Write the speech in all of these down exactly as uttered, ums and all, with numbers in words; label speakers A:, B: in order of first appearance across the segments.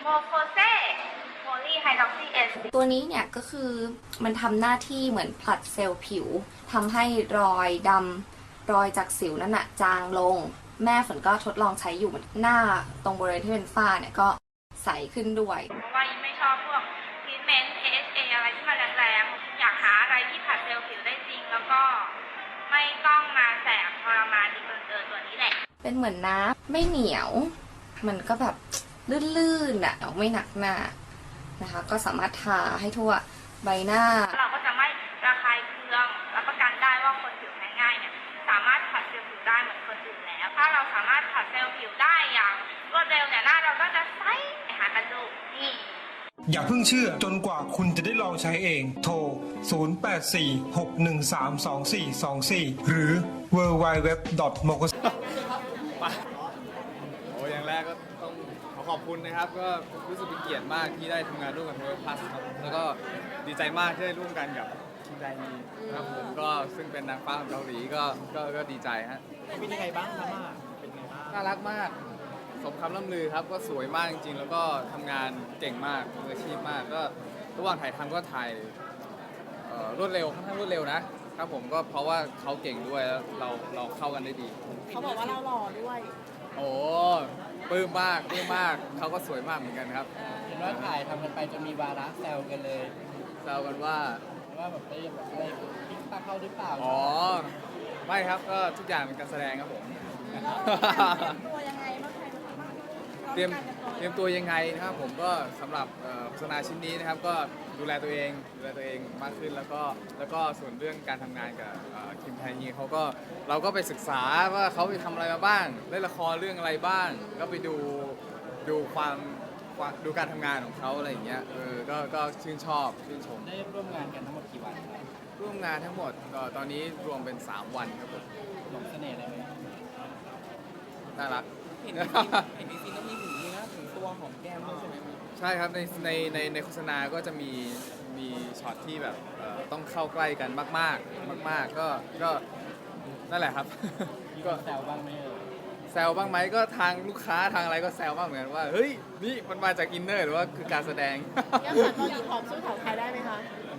A: โคเซโพลีไฮดรอกซีเอส
B: ตัวนี้เนี่ยก็คือมันทำหน้าที่เหมือนผลัดเซลล์ผิวทำให้รอยดำรอยจากสิวนั่นน่ะจางลงแม่ฝนก็ทดลองใช้อยู่หน้าตรงบริเวณที่เป็นฝ้าเนี่ยก็ใสขึ้นด้วย
A: เพราะว่ายิ่งไม่ชอบพวกทรีทเมนต์ เอ เอช เอ อะไรที่มันแรงๆอยากหาอะไรที่ผัดเซลล์ผิวได้จริงแล้วก็ไม่ต้องมาแสบทรมานดีเกินเกินตัวนี้แหละ
B: เป็นเหมือนน้ำไม่เหนียวมันก็แบบลื่นๆอ่ะไม่หนักหน้านะคะก็สามารถทาให้ทั่วใบหน้า
A: เราก็จะไม่ระคายเคืองรับประกันได้ว่าคนผิวแพ้ง่ายเนี่ยสามารถผัดเซลล์ผิวได้เหมือนคนอื่นแล้วถ้าเราสามารถผัดเซลล์ผิวได้อย่างรวดเร็วเนี่ยหน้าเราก็จะใสหากันดูนี่
C: อย่าเพิ่งเชื่อจนกว่าคุณจะได้ลองใช้เองโทรศูนย์ แปด สี่ หก หนึ่ง สาม สอง สี่ สอง สี่หรือ ดับเบิลยู ดับเบิลยู ดับเบิลยู ดอท โมโกส
D: โอ้อย่างแรกก็ต้องขอขอบคุณนะครับก็รู้สึกเป็นเกียรติมากที่ได้ทำงานร่วมกับโทรพัสครับแล้วก็ดีใจมากที่ได้ร่วมกันกับคิมไดมีครับผมก็ซึ่งเป็นนางฟ้าของเกาหลีก็ก็ก็ดีใจฮะ
E: เป็นยังไงบ้างครับมาเป็นไงบ้าง
D: น่ารักมากสมคำล่ำลือครับก็สวยมากจริงๆแล้วก็ทำงานเก่งมากมืออาชีพมากก็ระหว่างถ่ายทำก็ถ่ายรวดเร็วค่อนข้างรวดเร็วนะครับผมก็เพราะว่าเขาเก่งด้วยแล้วเราเราเข้ากันได้ดี
E: เขาบอกว่าเราหล่อด้วย
D: โอ้ปลื้มมากปลื้มมากเขาก็สวยมากเหมือนกันครับ
E: เห็นว่าถ่ายทำกันไปจนมีวาระแซวกันเลย
D: แซวกันว่า
E: ว่าแบบไปแบบอะไรพิกตาเข้าหรือเปล่า
D: อ๋อไม่ครับก็ทุกอย่างเป็นการแสดงครับผม
E: ตัวยังไงบ้าง
D: เตรียมเตรียมตัวยังไงนะครับผมก็สำหรับโฆษณาชิ้นนี้นะครับก็ดูแลตัวเองดูแลตัวเองมากขึ้นแล้วก็แล้วก็ส่วนเรื่องการทำงานกับคิมไทนีเขาก็เราก็ไปศึกษาว่าเขาไปทำอะไรมาบ้างเล่นละครเรื่องอะไรบ้างก็ไปดูดูความดูการทำงานของเขาอะไรอย่างเงี้ยเออก็ก็ชื่นชอบชื่นชม
E: ได้ร่วมงานกันทั้งหมดกี่วัน
D: ร่วมงานทั้งหมดตอนนี้รวมเป็นสามวันครับผม
E: หลงเสน่ห์อะไรไหม
D: น่ารัก
E: เห็นเห็นในซีนก็มีถึงนี่นะถึงตัวหอมแก้มด้วยใช่ไหม
D: ใช่ครับในในในในโฆษณาก็จะมีมีช็อตที่แบบต้องเข้าใกล้กันมากมากมากๆก็ก็นั่นแหละครับ
E: ก็แซวบ้างไหม
D: แซวบ้างไหมก็ทางลูกค้าทางอะไรก็แซวบ้างเหมือนกันว่าเฮ้ยนี่มันมาจากอินเนอร์หรือว่าคือการแสดง
E: ยังสาวเกาหลีผอมสู้สาวไทยได้ไหมคะ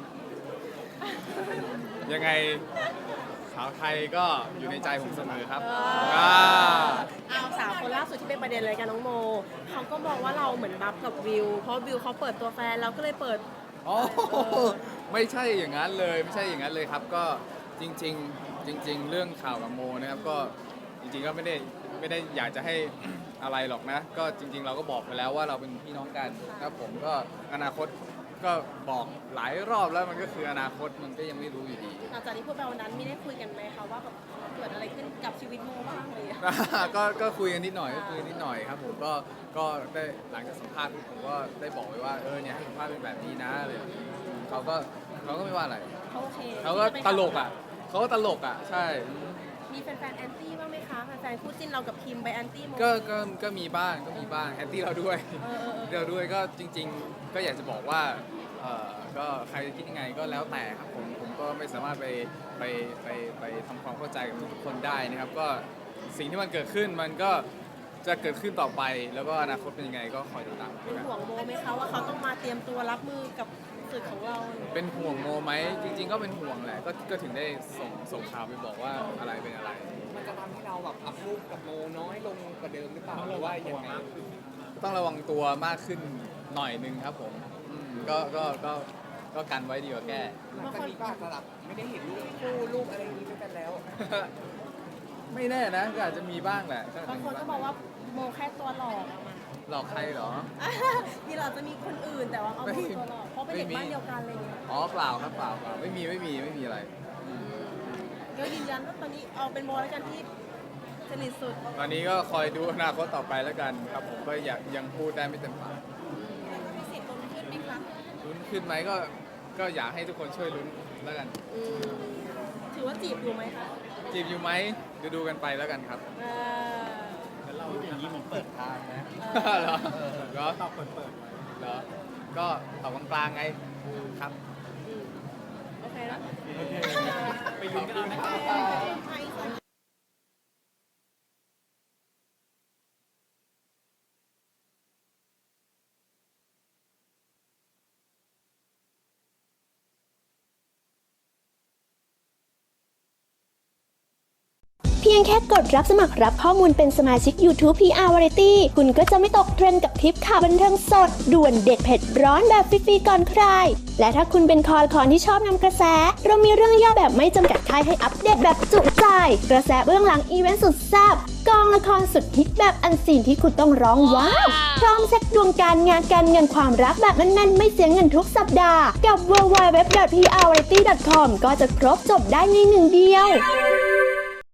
D: ยังไงสาวไทยก็อยู่ในใจผมเสมอครับ
E: เอาสาวคนล่าสุดที่เป็นประเด็นเลยกันน้องโมเขาก็มองว่าเราเหมือนบัฟกับวิวเพราะวิวเขาเปิดตัวแฟนเราก็เลยเปิด
D: อ๋อไม่ใช่อย่างนั้นเลยไม่ใช่อย่างนั้นเลยครับก็จริงๆจริงๆเรื่องข่าวกับโมนะครับก็จริงๆก็ไม่ได้ไม่ได้อยากจะให้อะไรหรอกนะก็จริงๆเราก็บอกไปแล้วว่าเราเป็นพี่น้องกันครับผมก็อนาคตก็บอกหลายรอบแล้วมันก็คืออนาคตมันก็ยังไม่รู้อยู่ดี
E: หลังจากที่พูดไปวันนั้นไม่ได้คุยกันไหมคะว่าแบบเกิดอะไรขึ้นกับชีวิตโมบ้างเลย
D: ก็ก็คุยกันนิดหน่อยก็คุยนิดหน่อยครับผมก็ก็ได้หลังจากสัมภาษณ์ผมก็ได้บอกไว้ว่าเออเนี่ยให้สัมภาษณ์เป็นแบบนี้นะเลยเขาก็เขาก็ไม่ว่าอะไร
E: เขาโอเค
D: เขาก็ตลกอ่ะเขาก็ตลกอ่ะใช่
E: มีแฟนๆแอนตี้บ้างไหมคะแฟนๆคู่จิ้นเรากับคิมไปแอนตี้โม
D: ก็ก็ก็มีบ้างก็มีบ้างแอนตี้เราด้วยเราด้วยก็จริงๆก็อยากจะบอกว่าเอ่อก็ใครจะคิดยังไงก็แล้วแต่ครับผมผมก็ไม่สามารถไปไปไปไปทำความเข้าใจกับทุกคนได้นะครับก็สิ่งที่มันเกิดขึ้นมันก็จะเกิดขึ้นต่อไปแล้วก็อนาคตเป็นยังไงก็คอยติดตาม
E: เป็นห่วงโมไหมคะว่าเขาต้องมาเตรียมตัวรับมือกับสื่อของเรา
D: เป็นห่วงโมไหมจริงๆก็เป็นห่วงแหละก็ก็ถึงได้ส่งส่งข่าวไปบอกว่าอะไรเป็นอะไร
E: มันจะทำให้เราแบบอัพรูปกับโมน้อยลงกว่าเดิมหรือเปล่าหรือว่าอย่างไร
D: ต้องระวังตัวมากขึ้นหน่อยนึงครับผมก็ก็ก็ก็กันไว้ดีกว่าแก้
E: หลังจากนี้ก็อาจจะแบบไม่ได้เห็นรูปคู่รูปอะไรนี้ด้วยกันแล้ว
D: ไม่แน่นะก็อาจจะมีบ้างแหละ
E: บางคนก็บอกว่าโมแค่ตัวหลอก
D: หลอกใครเหรอ
E: นี่เราจะมีคนอื่นแต่ว่าเอาโมตัวหลอกเพราะเป็นเด็กบ้านเดียวกันอะไรเงี้ย
D: อ๋อเปล่าครับเปล่าเปล่าไม่มีไม่มีไม่มีอะไร
E: ก็ยืนยันว่าตอนนี้เอาเป็นโมแล้วกันที่สนิทสุด
D: ตอนนี้ก็คอยดูอนาคตต่อไปแล้วกันครับผมก็อยากยังพูดได้ไม่เต็มปาก
E: มีสิทธิ์ลุ้นขึ้นไหมคะ
D: ลุ้นขึ้นไหมก็ก็อยากให้ทุกคนช่วยลุ้นแล้วกัน
E: ถือว่าจีบอยู่ไหมคะ
D: จีบอยู่ไหมดูดูกันไปแล้วกันครับ
E: แล้วเราอย่างนี้มันเปิดทางนะ
D: เหรอก็ตอบเปิดเปิดเหรอก็ตอบกลางๆไงครับ
E: โอเคแล้ว
D: ไปลุ้นกันนะครับ
F: ยงแค่กดรับสมัครรับข้อมูลเป็นสมาชิก YouTube พี อาร์ Variety คุณก็จะไม่ตกเทรนด์กับทริปข่าวบันเทิงสดด่วนเด็ดเผ็ดร้อนแบบฟรีๆก่อนใครและถ้าคุณเป็นคอละครที่ชอบนำกระแสเรามีเรื่องย่อแบบไม่จำกัดค่ายให้อัปเดตแบบจุใจกระแสเบื้องหลังอีเวนต์สุดแซ่บกองละครสุดฮิตแบบอันซีนที่คุณต้องร้องว้าวพร้อมเช็คดวงการงานการเงินความรักแบบแน่นๆไม่เสียเงินทุกสัปดาห์กับ ดับเบิลยู ดับเบิลยู ดับเบิลยู ดอท พี อาร์ วาไรตี้ ดอท คอม ก็จะครบจบได้ในหนึ่งเดียว